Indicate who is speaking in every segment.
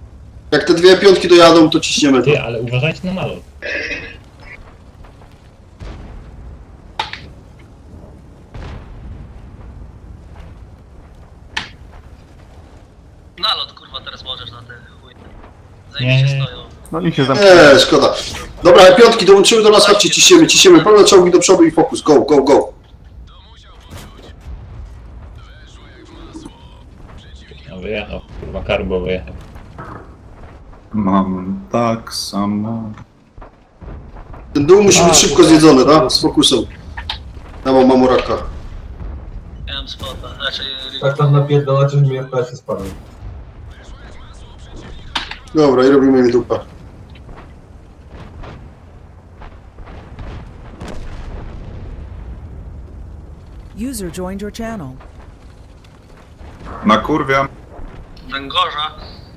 Speaker 1: Jak te dwie piątki dojadą, to ciśniemy.
Speaker 2: Ty, ale uważajcie na malot.
Speaker 3: Nalot kurwa teraz możesz na te chuj.
Speaker 2: Nie,
Speaker 3: Zajebiście
Speaker 2: nie.
Speaker 3: stoją.
Speaker 4: No niech się zamknie.
Speaker 1: Szkoda. Dobra, piątki dołączyły do nas, chodźcie, ciśniemy. Pełne czołgi do przodu i fokus. Go, go, go.
Speaker 2: No wyjechał, kurwa, karbo wyjechał.
Speaker 5: Mam tak samo.
Speaker 1: Ten dół musi być szybko zjedzony, tak? Z fokusem. Ja mam mamuraka.
Speaker 3: Ja mam spota, znaczy...
Speaker 6: Tak tam napierdalacie, że mi FPS spadł.
Speaker 1: Dobra, i robimy im dupę.
Speaker 7: User joined your channel.
Speaker 5: Nakurwiam.
Speaker 3: Węgorza.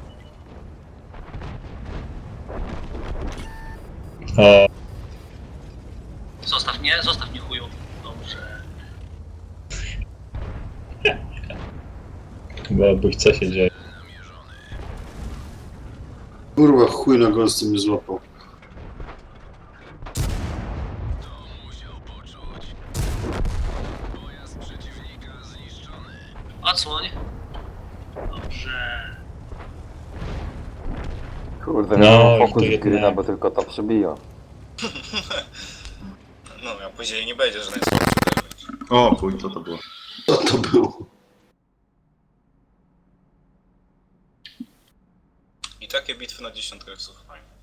Speaker 2: O,
Speaker 3: Zostaw mnie chuju. Dobrze.
Speaker 2: bo buch, co się dzieje?
Speaker 1: Kurwa, chuj na gąsce mnie złapał.
Speaker 3: Odsłoń. Dobrze.
Speaker 4: Kurde,
Speaker 2: No,
Speaker 4: no,
Speaker 2: i
Speaker 4: fokus
Speaker 2: to jednak.
Speaker 4: gryna, bo tylko to przebiją.
Speaker 8: No, a później nie będzie, że najsłabszy damage.
Speaker 5: O, chuj, co to było?
Speaker 1: Co to było?
Speaker 8: I takie bitwy na dziesiątkach są fajne.